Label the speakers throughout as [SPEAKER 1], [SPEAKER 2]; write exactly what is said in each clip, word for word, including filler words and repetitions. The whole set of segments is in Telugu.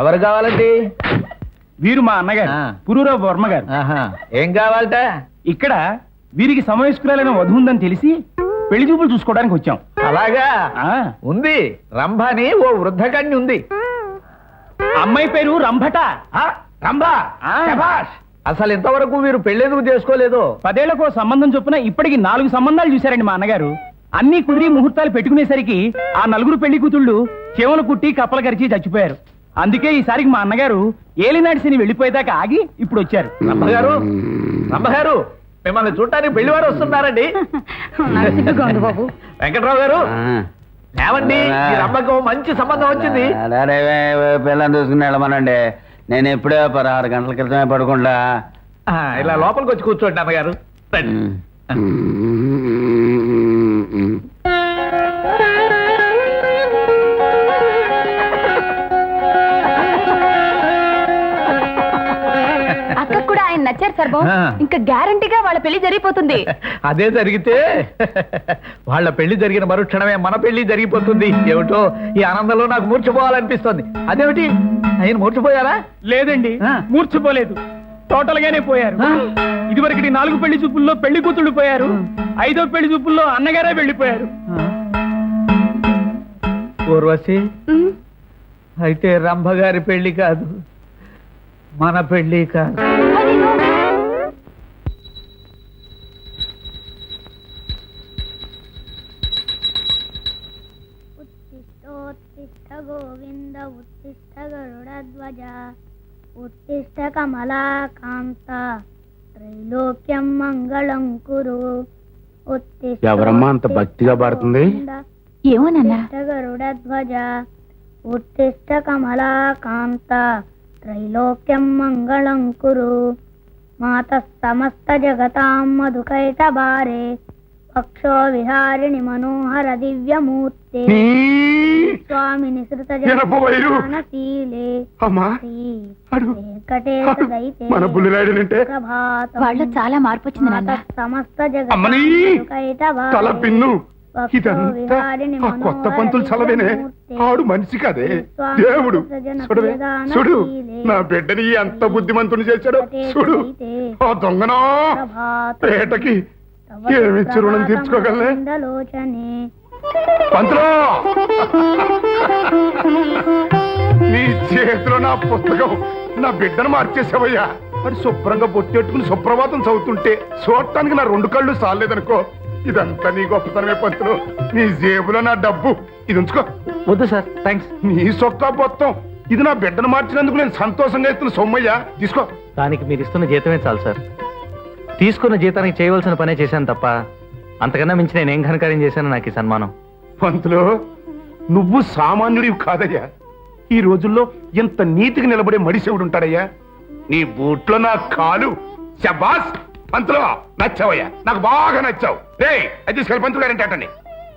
[SPEAKER 1] ఎవరు కావాలండి?
[SPEAKER 2] వీరు మా అన్నగారు పురూరావు వర్మ గారు.
[SPEAKER 1] ఏం కావాలట?
[SPEAKER 2] ఇక్కడ వీరికి సమవయస్కురాలైన వధువు ఉందని తెలిసి పెళ్లి చూపులు చూసుకోవడానికి వచ్చాం.
[SPEAKER 1] అలాగా ఉంది. రంభని ఓ వృద్ధకన్య ఉంది.
[SPEAKER 2] అమ్మాయి పేరు రంభట.
[SPEAKER 1] రంభ? అసలు ఇంతవరకు మీరు పెళ్ళెందుకు చేసుకోలేదు?
[SPEAKER 2] పదేళ్లకు సంబంధం చొప్పున ఇప్పటికి నాలుగు సంబంధాలు చూశారండి మా అన్నగారు. అన్ని కుదిరి ముహూర్తాలు పెట్టుకునేసరికి ఆ నలుగురు పెళ్లి కూతుళ్ళు చెవులు కుట్టి కప్పలు కరిచి చచ్చిపోయారు. అందుకే ఈసారికి మా అన్నగారు ఏలినాటి శని వెళ్ళిపోయేదాకా ఆగి ఇప్పుడు వచ్చారు.
[SPEAKER 1] రంభగారు, రంభగారు మిమ్మల్ని చూడటానికి పెళ్లి వారు వస్తున్నారండి. వెంకట్రావు గారు ఏమండి, ఈ రంభకు మంచి సంబంధం వచ్చింది.
[SPEAKER 3] పిల్లని చూసుకుని వెళ్ళమనండి. నేను ఎప్పుడే పదహారు గంటల క్రితమే పడుకుంటా.
[SPEAKER 1] ఇలా లోపలికి వచ్చి కూర్చోండి అన్నగారు.
[SPEAKER 4] అక్క కూడా ఆయన నచ్చారు సార్ బాబు. ఇంకా గ్యారంటీగా వాళ్ళ పెళ్లి జరిగిపోతుంది.
[SPEAKER 1] అదే జరిగితే వాళ్ళ పెళ్లి జరిగిన మరుక్షణమే మన పెళ్లి జరిగిపోతుంది. ఏమిటో ఈ ఆనందంలో నాకు మూర్చిపోవాలనిపిస్తుంది. అదేమిటి, ఆయన మూర్చిపోయారా?
[SPEAKER 2] లేదండి, మూర్చిపోలేదు. టోటల్ గానే పోయారు. ఇదివరకటి నాలుగు పెళ్లి చూపుల్లో పెళ్లి కూతుళ్ళు పోయారు. ఐదో పెళ్లి చూపుల్లో అన్నగారే వెళ్ళిపోయారు.
[SPEAKER 1] ఊర్వశి, అయితే రంభగారి పెళ్లి కాదు, మన పెళ్లి కాదు.
[SPEAKER 5] ఉత్తిష్ట గోవింద ఉత్తిష్ట గరుడధ్వజ ఉత్తిష్ట కమలాకాంత త్రైలోక్యం మంగళం కురు.
[SPEAKER 3] ఎవరమ్మా అంత భక్తిగా పాడుతుంది?
[SPEAKER 4] ఏమోనన్నా?
[SPEAKER 5] గరుడధ్వజ ఉత్తిష్ట కమలాకాంత త్రైలోక్యం మంగళం కురు. మాతః సమస్త జగతాం మధుకైటభారే పక్షో విహారిణి మనోహర దివ్యమూర్తే స్వామిని శ్రుతజనశీలే
[SPEAKER 4] వాళ్ళు చాలా మార్పు వచ్చింది నాన్న.
[SPEAKER 5] సమస్త జగతాం
[SPEAKER 6] కొత్త పంతులు చలవేనే, ఆడు మనిషి కదే దేవుడు. చూడవే చూడు, నా బిడ్డని ఎంత బుద్ధిమంతుని చేశాడు. చూడు, ఆ దొంగనా పేటకి ఏమిచ్చి రుణం తీర్చుకోగలనే. పంతులు, నీ చేతిలో నా పుస్తకం, నా బిడ్డను మార్చేసావయ్యా. మరి శుభ్రంగా బొట్టెట్టుకుని సుప్రభాతం చదువుతుంటే చూడటానికి నా రెండు కళ్ళు సాలేదనుకో. ఇదంతా నీ గొప్పతనమే పంతులు. నీ జేబులో నా డబ్బు, ఇది ఉంచుకో.
[SPEAKER 1] వద్దు సార్, థ్యాంక్స్.
[SPEAKER 6] నీ సొక్కా మొత్తం ఇది నా బిడ్డను మార్చినందుకు నేను సంతోషంగా ఇస్తున్న సొమ్మయ్యా, తీసుకో.
[SPEAKER 7] దానికి మీరు ఇస్తున్న జీతమే చాలు సార్. తీసుకున్న జీతానికి చేయవలసిన పనే చేశాను తప్ప అంతకన్నా మించి నేను ఏం ఘనకార్యం చేశాను నాకు ఈ సన్మానం.
[SPEAKER 6] పంతులు, నువ్వు సామాన్యుడివి కాదయ్యా. ఈ రోజుల్లో ఎంత నీతికి నిలబడే మడిసేవుడు ఉంటాడయ్యా. నీ బూట్లో నా కాలు. శబాస్ పంతులు, నచ్చావయ్యా, నాకు బాగా నచ్చావు. రే అది తీసుకెళ్ళి పంతులు గారంటే అటండి.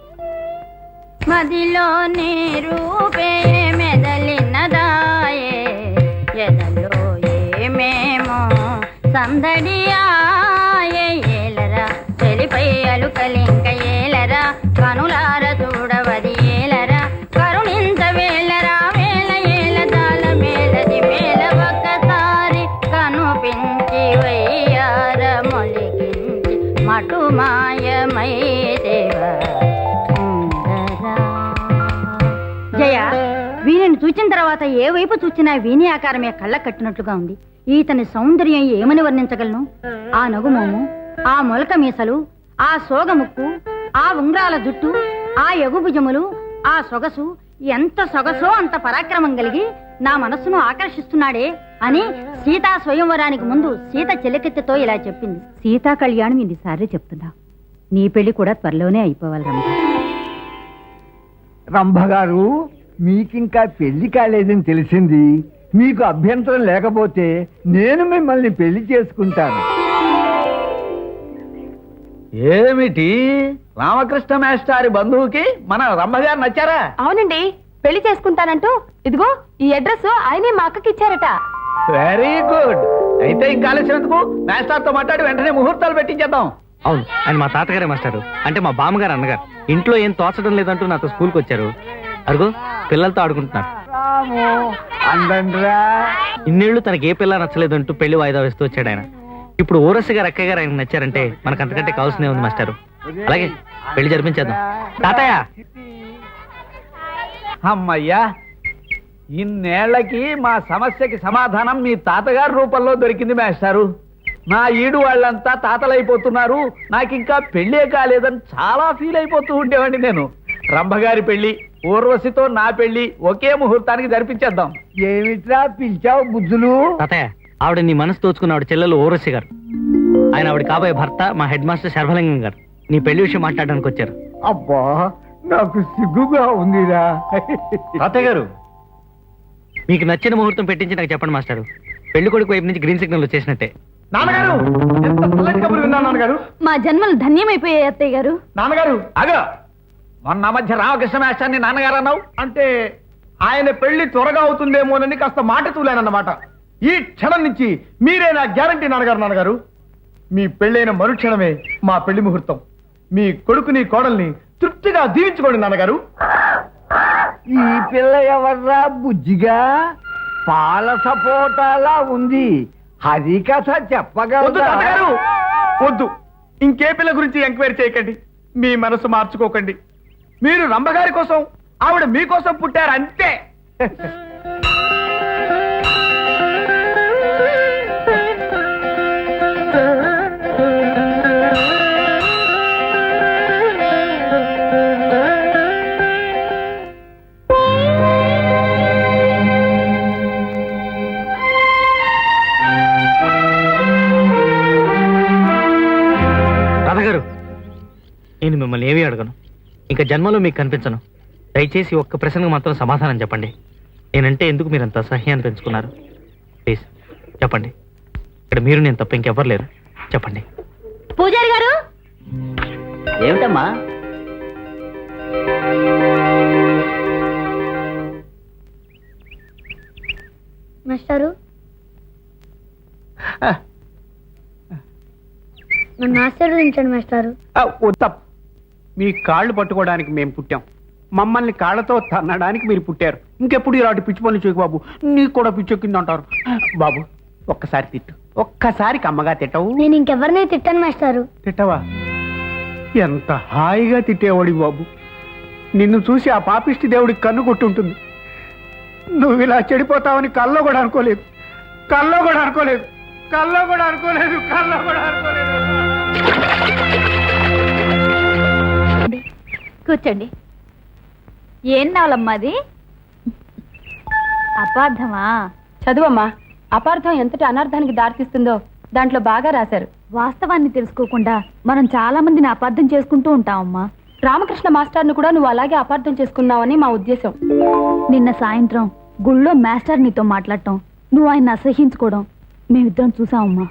[SPEAKER 5] మదిలో రూపే మెదలినదాయే ఎదలో ఏమేమో సందడియాయే ఏలరా చెలిపై అలుకలింక ఏలరా కనులార చూడవది ఏలరా కరుణింత వేలరా వేల ఏల తాళ మేలది మేల ఒక్కసారి కనుపించి వయ్యార మొలిగించి మటు మాయమై దేవా. జయ, వీణిని చూచిన తర్వాత ఏ వైపు చూసినా వీణి ఆకారమే కళ్ళ కట్టినట్లుగా ఉంది. ఈతని సౌందర్యం ఏమని వర్ణించగలను? ఆ నగుమోము, ఆ మొలక మీసలు, ఆ సోగముక్కు, ఆ ఉంగరాల జుట్టు, ఆ ఎగుభుజములు, ఆ సొగసు, ఎంత సొగసో అంత పరాక్రమం కలిగి నా మనస్సును ఆకర్షిస్తున్నాడే అని సీతా స్వయంవరానికి ముందు సీత చెలికెత్తితో ఇలా చెప్పింది. సీతా కళ్యాణం ఇది సారే చెప్తున్నా. నీ పెళ్లి కూడా త్వరలోనే అయిపోవాలి రంభ.
[SPEAKER 8] రంభగారు, మీకింకా పెళ్లి కాలేదని తెలిసింది. మీకు అభ్యంతరం లేకపోతే నేను మిమ్మల్ని పెళ్లి చేసుకుంటాను.
[SPEAKER 1] ఏమిటి, రామకృష్ణ మేస్టారి బంధువుకి మన రంభగారు నచ్చారా?
[SPEAKER 4] అవునండి, పెళ్లి చేసుకుంటానంటూ ఇదిగో ఈ అడ్రస్ ఆయనే మా అక్కకి ఇచ్చారట.
[SPEAKER 1] Very good. అయితే ఇంకా ఆలస్యం మేస్టార్ తో మాట్లాడి వెంటనే ముహూర్తాలు పెట్టించేద్దాం.
[SPEAKER 7] అవును, ఆయన మా తాతగారే మాస్టారు, అంటే మా బామ్మగారు అన్నగారు. ఇంట్లో ఏం తోచడం లేదంటూ నాతో స్కూల్కి వచ్చారు. అరుగు పిల్లలతో ఆడుకుంటున్నారు.
[SPEAKER 8] మంగళము అందండ్రా.
[SPEAKER 7] ఇన్నేళ్లు తనకి ఏ పిల్ల నచ్చలేదంటూ పెళ్లి వాయిదా వేస్తూ వచ్చాడు ఆయన. ఇప్పుడు ఊరస్సు గారు అక్కయ్య గారు ఆయనకు నచ్చారంటే మనకు అంతకంటే కావాల్సిందే ఉంది మాస్టారు. అలాగే పెళ్లి జరిపించేద్దాం. తాతయ్య
[SPEAKER 1] అమ్మయ్యా, ఇన్నేళ్లకి మా సమస్యకి సమాధానం మీ తాతగారి రూపంలో దొరికింది మాస్టారు. నా ఈడు వాళ్ళంతా తాతలైపోతున్నారు, నాకింకా పెళ్ళే కాలేదని చాలా ఫీల్ అయిపోతూ ఉండేవాడిని నేను. రంభగారి పెళ్లి, ఊర్వశితో నా పెళ్లి ఒకే ముహూర్తానికి జరిపించేద్దాం.
[SPEAKER 8] ఏమిట్రా పిలిచావు బుద్ధులు?
[SPEAKER 7] తాతయ్య, ఆవిడ నీ మనసు తోచుకున్న ఆవిడ చెల్లెలు ఊరస్సు గారు. ఆయన ఆవిడ కాబోయే భర్త మా హెడ్ మాస్టర్ శర్వలింగం గారు నీ పెళ్లి విషయం మాట్లాడడానికి వచ్చారు.
[SPEAKER 8] అబ్బా నాకు సిగ్గుగా ఉందిరా.
[SPEAKER 7] తాతయ్య గారు, మీకు నచ్చిన ముహూర్తం పెట్టించి నాకు చెప్పండి మాస్టారు. పెళ్లి కొడుకు వైపు నుంచి గ్రీన్ సిగ్నల్ వచ్చేసినట్టే.
[SPEAKER 2] నాన్నగారు, ఎంత చల్లటి కబురు విన్నాను నాన్నగారు.
[SPEAKER 5] మా జన్మలు ధన్యమైపోయాయి అత్తయ్య గారు.
[SPEAKER 2] నాన్నగారు,
[SPEAKER 1] అగో, మొన్న మధ్య రామకృష్ణ మాస్టర్ని నాన్నగారు అన్నావు.
[SPEAKER 2] అంటే ఆయన పెళ్లి త్వరగా అవుతుందేమోనని కాస్త మాట తూలానన్నమాట. ఈ క్షణం నుంచి మీరే నా గ్యారంటీ నాన్నగారు. నాన్నగారు, మీ పెళ్ళైన మరుక్షణమే మా పెళ్లి ముహూర్తం. మీ కొడుకుని కోడల్ని తృప్తిగా దీవించుకోండి నాన్నగారు.
[SPEAKER 8] ఈ పిల్ల ఎవర్రా బుజ్జిగా? పాల సపోటాలా ఉంది. హరికథ
[SPEAKER 2] వద్దు
[SPEAKER 8] చెప్పగలరా?
[SPEAKER 2] తాతగారు, వద్దు. ఇంకే పిల్ల గురించి ఎంక్వైరీ చేయకండి. మీ మనసు మార్చుకోకండి. మీరు రంభగారి కోసం, ఆవిడ మీకోసం పుట్టారు అంతే.
[SPEAKER 7] రాధగారు, నేను మిమ్మల్ని ఏమీ అడగను, ఇంకా జన్మలో మీకు కనిపించను. దయచేసి ఒక్క ప్రశ్నకు మాత్రం సమాధానం చెప్పండి. నేనంటే ఎందుకు మీరంత అసహ్యాన్ని పెంచుకున్నారు? ప్లీజ్ చెప్పండి. ఇక్కడ మీరు నేను తప్ప ఇంకెవ్వరు లేరు. చెప్పండి.
[SPEAKER 5] పూజారి గారు,
[SPEAKER 3] ఏమిటమ్మా?
[SPEAKER 5] మాస్టారు నన్ను ఆశీర్వదించండి మాస్టారు.
[SPEAKER 2] ఉత్తప్, మీ కాళ్ళు పట్టుకోవడానికి మేము పుట్టాం. మమ్మల్ని కాళ్ళతో తన్నడానికి మీరు పుట్టారు. ఇంకెప్పుడు ఇలాంటి పిచ్చి పనులు చేయకు బాబు. నీకు కూడా పిచ్చెక్కిందంటారు. బాబు, ఒక్కసారి తిట్టు. ఒక్కసారికి అమ్మగా తిట్టవు.
[SPEAKER 5] నేను ఇంకెవరిని తిట్టాను మాస్టారు.
[SPEAKER 2] తిట్టవా? ఎంత హాయిగా తిట్టేవాడి బాబు. నిన్ను చూసి ఆ పాపిష్టి దేవుడికి కన్ను కొట్టుంటుంది. నువ్వు ఇలా చెడిపోతావని కల్లో కూడా అనుకోలేదు. కల్లో కూడా అనుకోలేదు. కల్లో కూడా అనుకోలేదు. కల్లో కూడా అనుకోలేదు.
[SPEAKER 5] కూర్చోండి. ఏం నావలమ్మది? అపార్థమా?
[SPEAKER 4] చదువమ్మా. అపార్థం ఎంతటి అనర్థానికి దారితీస్తుందో దాంట్లో బాగా రాశారు.
[SPEAKER 5] వాస్తవాన్ని తెలుసుకోకుండా మనం చాలా మందిని అపార్థం చేసుకుంటూ ఉంటామమ్మా.
[SPEAKER 4] రామకృష్ణ మాస్టర్ను కూడా నువ్వు అలాగే అపార్థం చేసుకున్నావని మా ఉద్దేశం.
[SPEAKER 5] నిన్న సాయంత్రం గుళ్ళో మాస్టర్ నీతో మాట్లాడటం, నువ్వు ఆయన అసహించుకోవడం మేమిద్దరం చూసామమ్మా.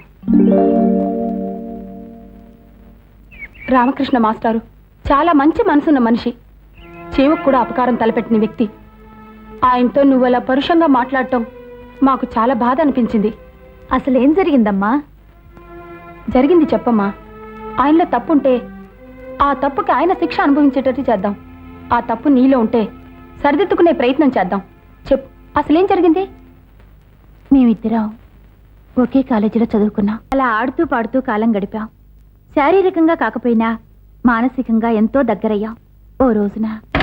[SPEAKER 4] రామకృష్ణ మాస్టారు చాలా మంచి మనసున్న మనిషి. చీమకు కూడా అపకారం తలపెట్టిన వ్యక్తి. ఆయనతో నువ్వు అలా పరుషంగా మాట్లాడటం మాకు చాలా బాధ అనిపించింది.
[SPEAKER 5] అసలేం జరిగిందమ్మా?
[SPEAKER 4] జరిగింది చెప్పమ్మా. ఆయనలో తప్పుంటే ఆ తప్పుకి ఆయన శిక్ష అనుభవించేటట్టు చేద్దాం. ఆ తప్పు నీలో ఉంటే సరిదిద్దుకునే ప్రయత్నం చేద్దాం. చెప్పు, అసలేం జరిగింది?
[SPEAKER 5] మేమిద్దరం ఒకే కాలేజీలో చదువుకున్నాం. అలా ఆడుతూ పాడుతూ కాలం గడిపాం. శారీరకంగా కాకపోయినా మానసికంగా ఎంతో దగ్గరయ్యాం. ఓ రోజున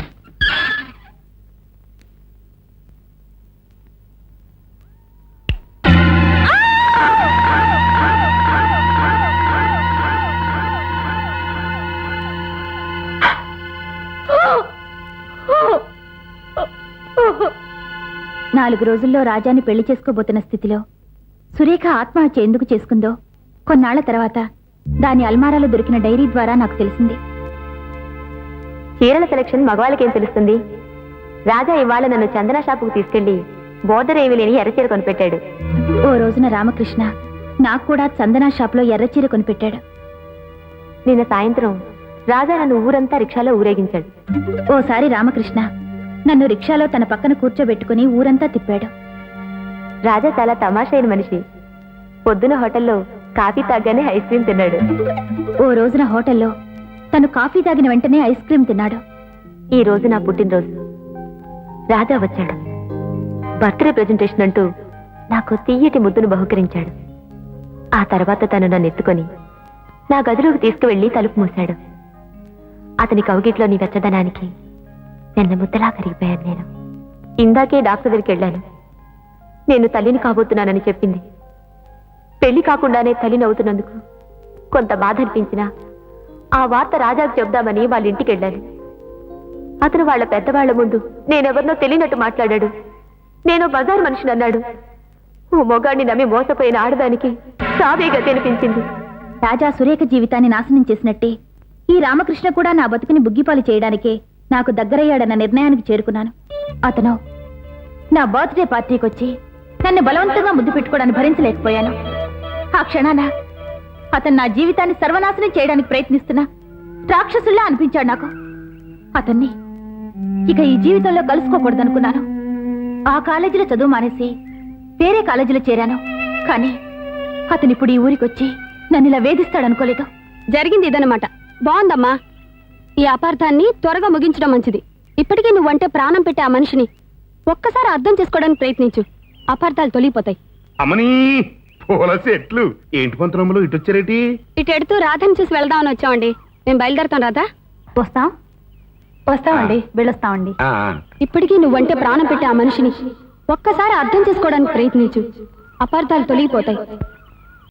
[SPEAKER 5] నాలుగు రోజుల్లో రాజాని పెళ్లి చేసుకోబోతున్న స్థితిలో సురేఖ ఆత్మహత్య ఎందుకు చేసుకుందో కొన్నాళ్ల తర్వాత దాని అల్మారాలో దొరికిన డైరీ ద్వారా నాకు తెలిసింది.
[SPEAKER 9] చీరల సెలక్షన్ మగవాళ్ళకేం తెలుస్తుంది? రాజా ఇవాళ నన్ను చందన షాపుకు తీసుకెళ్లి బోర్డర్ ఏమీ లేని ఎర్రచీర కొనిపెట్టాడు.
[SPEAKER 5] ఓ రోజున రామకృష్ణ నాకు కూడా చందన షాప్ లో ఎర్రచీర కొనిపెట్టాడు.
[SPEAKER 9] నిన్న సాయంత్రం రాజా నన్ను ఊరంతా రిక్షాలో ఊరేగించాడు.
[SPEAKER 5] ఓసారి రామకృష్ణ నన్ను రిక్షాలో తన పక్కన కూర్చోబెట్టుకుని ఊరంతా తిప్పాడు.
[SPEAKER 9] రాజా చాలా తమాషైన మనిషి. పొద్దున హోటల్లో కాఫీ తాగానే ఐస్ క్రీం తిన్నాడు.
[SPEAKER 5] ఓ రోజున హోటల్లో తను కాఫీ తాగిన వెంటనే ఐస్ క్రీం తిన్నాడు.
[SPEAKER 9] ఈ రోజు నా పుట్టినరోజు. రాజా వచ్చాడు. బర్త్డే ప్రెజెంటేషన్ అంటూ నాకు తీయటి ముద్దును బహుకరించాడు. ఆ తర్వాత తను నన్ను ఎత్తుకొని నా గదిలోకి తీసుకువెళ్లి తలుపు మూశాడు. అతని కౌగిట్లోని వెచ్చదనానికి నిన్న ముద్దలా కరిగిపోయాను నేను. ఇందాకే డాక్టర్ దగ్గరికి వెళ్ళాను. నేను తల్లిని కాబోతున్నానని చెప్పింది. పెళ్లి కాకుండానే తల్లిని అవుతున్నందుకు కొంత బాధ అనిపించినా ఆ వార్త రాజాకు చెప్దామని వాళ్ళ ఇంటికి వెళ్ళాను. అతను వాళ్ళ పెద్దవాళ్ల ముందు నేనెవరినో తెలియనట్టు మాట్లాడాడు. నేను బజారు మనిషిని అన్నాడు. ఓ మొగాడిని నమ్మి మోసపోయిన ఆడదానికి సావేగా తినిపించింది.
[SPEAKER 5] రాజా సురేఖ జీవితాన్ని నాశనం చేసినట్టే ఈ రామకృష్ణ కూడా నా బతుకుని బుగ్గిపాలు చేయడానికే నాకు దగ్గరయ్యాడన్న నిర్ణయానికి చేరుకున్నాను. అతను నా బర్త్డే పార్టీకి వచ్చి నన్ను బలవంతంగా ముద్దు పెట్టుకోవడానికి భరించలేకపోయాను. ఆ క్షణాన అతను నా జీవితాన్ని సర్వనాశనం చేయడానికి ప్రయత్నిస్తున్నా రాక్షసుల్లా అనిపించాడు నాకు. అతన్ని ఇక ఈ జీవితంలో కలుసుకోకూడదనుకున్నాను. ఆ కాలేజీలో చదువు మానేసి వేరే కాలేజీలో చేరాను. కానీ అతను ఇప్పుడు ఈ ఊరికొచ్చి నన్ను ఇలా వేధిస్తాడనుకోలేదు.
[SPEAKER 4] జరిగింది ఇదనమాట. బాగుందమ్మా. ఈ అపార్థాన్ని త్వరగా ముగించడం మంచిది. ఇప్పటికీ నువ్వంటే ప్రాణం పెట్టే ఆ మనిషిని ఒక్కసారి అర్థం చేసుకోవడానికి ప్రయత్నించు. అపార్థాలు తొలిగిపోతాయి.
[SPEAKER 6] అమ్మనీ పూల చెట్లు ఏంటి పంతులమ్మలు ఇటు వచ్చారేటి?
[SPEAKER 4] ఇటు ఎడుతూ రాధని చూసి వెళ్దామని వచ్చామండి. మేము బయలుదేరుతాం రాధా.
[SPEAKER 5] వస్తాం వస్తామండి వెళ్ళొస్తామండి.
[SPEAKER 6] ఆ,
[SPEAKER 4] ఇప్పటికీ నువ్వంటే ప్రాణం పెట్టే ఆ మనిషిని ఒక్కసారి అర్థం చేసుకోవడానికి ప్రయత్నించు. అపార్థాలు తొలగిపోతాయి.